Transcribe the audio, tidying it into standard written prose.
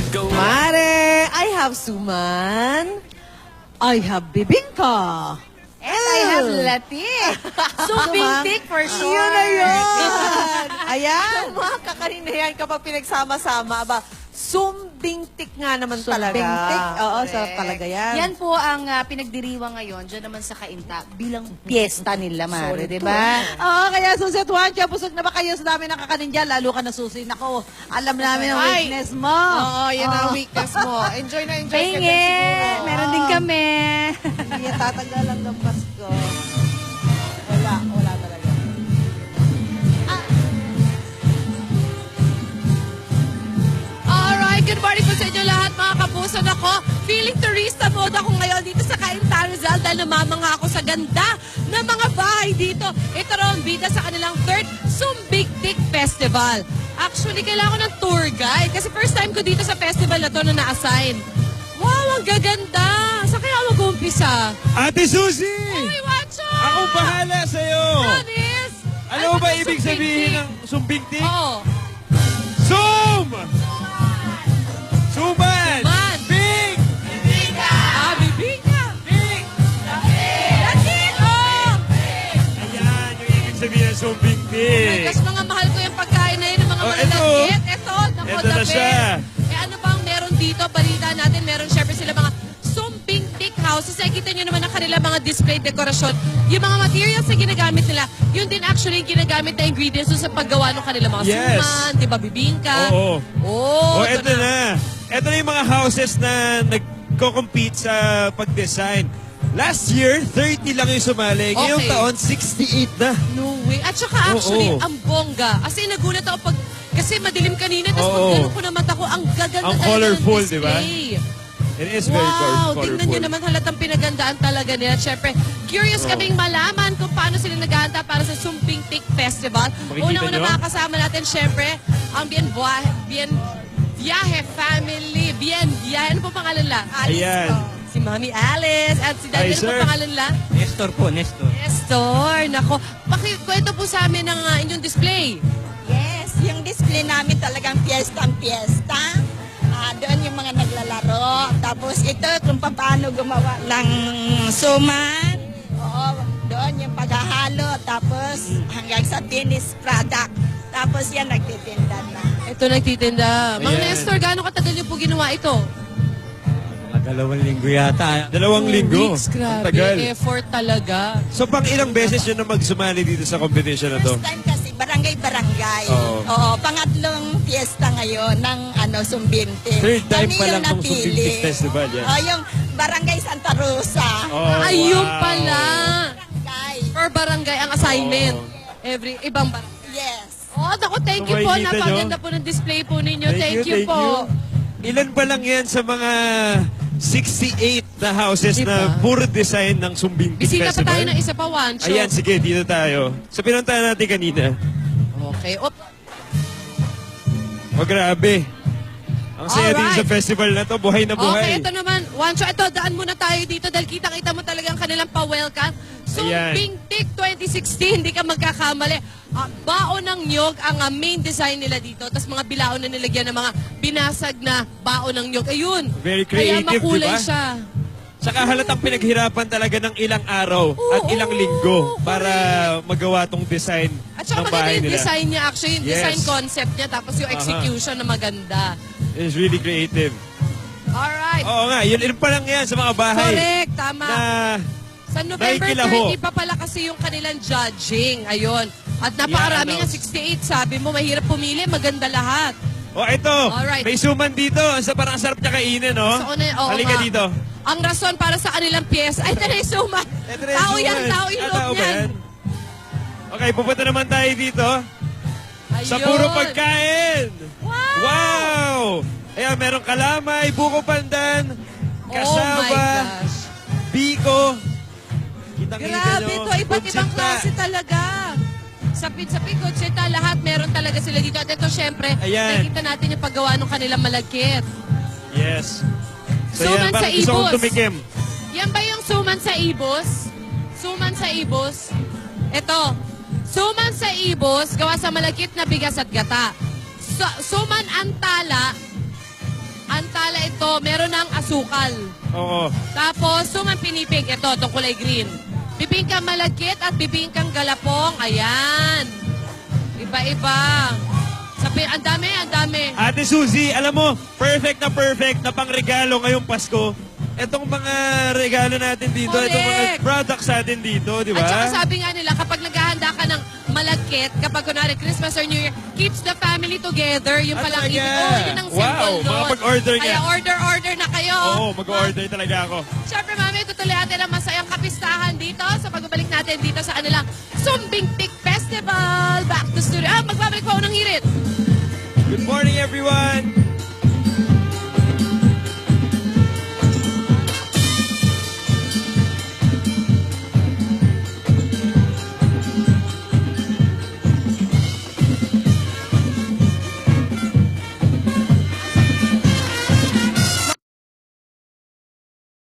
Mare, I have suman. I have bibingka. And I have latik. So, bintik for sure. Yun na yun. Ayan, mga kakanin na yan kapag pinagsama-sama. Aba, sumbingtik nga naman talaga. Sumbingtik. Oo, sarap talaga yan. Yan po ang pinagdiriwang ngayon dyan naman sa Kainta bilang piyesta nila, Mare, di ba? Oo, kaya Susi at Juancho, busog na ba kayo sa dami ng kakanin dyan? Lalo ka na Susi. Nako, alam namin ang Ay. weakness mo. Oo, yan ang weakness mo. Enjoy na enjoy ka dyan Pingi! siguro. Meron din kami. Hindi yan tatanggal ang lampas ko. Wala talaga. Alright, good morning po sa inyo lahat mga kapuso. Ako, feeling turista mode ako ngayon dito sa Cainta Rizal dahil namamangha ako sa ganda ng mga bahay dito. Ito raw ang bida sa kanilang third Sumbigtik Festival. Actually, kailangan ko ng tour guide kasi first time ko dito sa festival na to na na-assign. Wow, ang gaganda! Saan kaya mag-umpisa? Ate Suzy! Uy, Wacho! Ako bahala sa'yo! Promise! Ano ba ibig sabihin ng sumbingtik? Oo. Sum! Suman! Man! Big! Ah, bibingka! Big! Latin! Oh! Ayan, yung ibig sabihin ng sumbingtik. Kasi mga mahal ko yung pagkain na yun, ng mga Oh, malalagkit. Ito, naku, Ito na the siya. best. Eh ano bang meron dito? Balita natin, meron syempre sila mga sumbingtik houses. Nakikita nyo naman ang kanila mga display dekorasyon. Yung mga materials na ginagamit nila, yun din actually yung ginagamit na ingredients dun sa paggawa ng kanila mga Yes. suman, di ba, bibingka. Oo. Oh, Oh, eto na. Ito na yung mga houses na nagko-compete sa pag-design. Last year, 30 lang yung sumali. Ngayong Okay. taon, 68 na. No way. At saka actually, Oo. ang bongga. Kasi nagulat ako kasi madilim kanina, tapos Oo. pag ganun ko na mata ko, ang gaganda Ang talaga colorful, ng di ba? display. It is very Wow, colorful. tingnan nyo naman halatang pinagandaan talaga nila. Siyempre, curious kaming malaman kung paano sila naghahanda para sa Sumbingtik Festival. Makikita Unang-una nyo? makakasama natin, siyempre, ang Viaje Family. Ano po pangalan lang? Ayan. Si Mami Alice at si Daddy. Hi, Ano po sir. pangalan lang? Nestor po, Nestor. Nestor. Nako, pakikwento po sa amin ng inyong display. Yes, yung display namin talagang piyesta. Doon yung mga naglalaro. Tapos ito kung paano gumawa ng suman. Oo, doon yung paghahalo. Tapos hanggang sa finished product. Tapos yan nagtitinda na. Ito nagtitinda. Mang Ayan. Nestor, gaano katagal niyo po ginawa ito? Mga 2 linggo yata. 2 linggo. Weeks, grabe. Tagal. Effort talaga. So, pang ilang beses yun na magsumali dito sa competition na to? First time kasi barangay-barangay. Oo. Oo, pangatlong fiesta ngayon ng Sumbintik. Third time Kami pa yung lang ng napili. Sumbingtik Festival yan. Oh, yung Barangay Santa Rosa. Oh, Ayun wow. pala. Barangay. Per barangay ang assignment. Oo. Every ibang barangay. Yes. Oh, naku, thank So, you po. makikita nyo? Napaganda po ng display po ninyo. Thank you po. Ilan pa lang yan sa mga 68 na houses Diba? na puro design ng Sumbingtik Bisita pa Festival? tayo ng isa pa, Wancho. Ayan, sige, dito tayo. So, pinuntahan natin kanina. Okay. Oh, Oh, grabe. Ang saya din Alright. sa festival na to. Buhay na okay, buhay. ito naman. Wancho, ito, daan muna tayo dito dahil kita-kita mo talagang kanilang pa-welcome. Ayan. Sumbingtik 2016, hindi ka magkakamali. Baon ng nyog ang main design nila dito. Tapos mga bilaon na nilagyan ng mga binasag na baon ng nyog. Ayun. Very Kaya creative, makulay diba? siya. Saka halatang pinaghirapan talaga ng ilang araw at Oo, ilang linggo para magawa tong design At saka ng maganda bahay yung nila. design niya. Actually, yung Yes. design concept niya. Tapos yung execution na maganda. It's really creative. Alright. Oo nga, yun pa lang yan sa mga bahay. Correct. Tama. Na Sa November nakikilaho. 30 pa pala kasi yung kanilang judging. Ayun. At napakarami nga, I-announce. 68. Sabi mo, mahirap pumili. Maganda lahat. Oh, ito. Alright. May suman dito. Parang ang sarap niya kainin, no? So, oo Halika nga. dito. Ang rason para sa kanilang piyesa. Ay, ito na yung suman. Ito na yung Tao yan, suman. tao yung Ah, loob tao ba niyan. yan? Okay, pupunta naman tayo dito. Sa Ayun. puro pagkain. Wow! Wow! Ayan, merong kalamay, buko pandan, Oh my kasaba, gosh. biko. Kitang-kita Grabe nyo. to. Iba't ibang Kutsita. klase talaga. Sa kutsita, lahat meron talaga sila dito. At ito, syempre, Ayan. nakikita natin yung paggawa ng kanilang malagkit. Yes. So, Suman yan, sa bakit gusto kong ibos. tumikim? Yan ba yung suman sa ibos? Suman sa ibos? Ito. Suman sa ibos, gawa sa malagkit na bigas at gata. Suman antala ito, meron ng asukal. Oo. Tapos, suman pinipig. Ito, itong kulay green. Bibingkang malagkit at bibingkang galapong. Ayan. Iba-iba. Ang dami, ang dami. Ate Suzy, alam mo, perfect na pangregalo ngayong Pasko. Itong mga regalo natin dito, Correct. itong mga products natin dito, di ba? At saka sabi nga nila, kapag naghahanda ka ng malagkit, kapag kunwari Christmas or New Year, keeps the family together. Yung Ah, palang talaga? ibig. Oh, yun ang symbol Wow, doon. makapag-order ka. Kaya order na kayo. Oo, mag-order talaga ako. Siyempre, mami, tutuloy natin ang masayang kapistahan dito sa pagbabalik natin dito sa kanilang Sumbing Tik Festival. Back to studio. Magbabalik pa ako ng hirit. Good morning, everyone!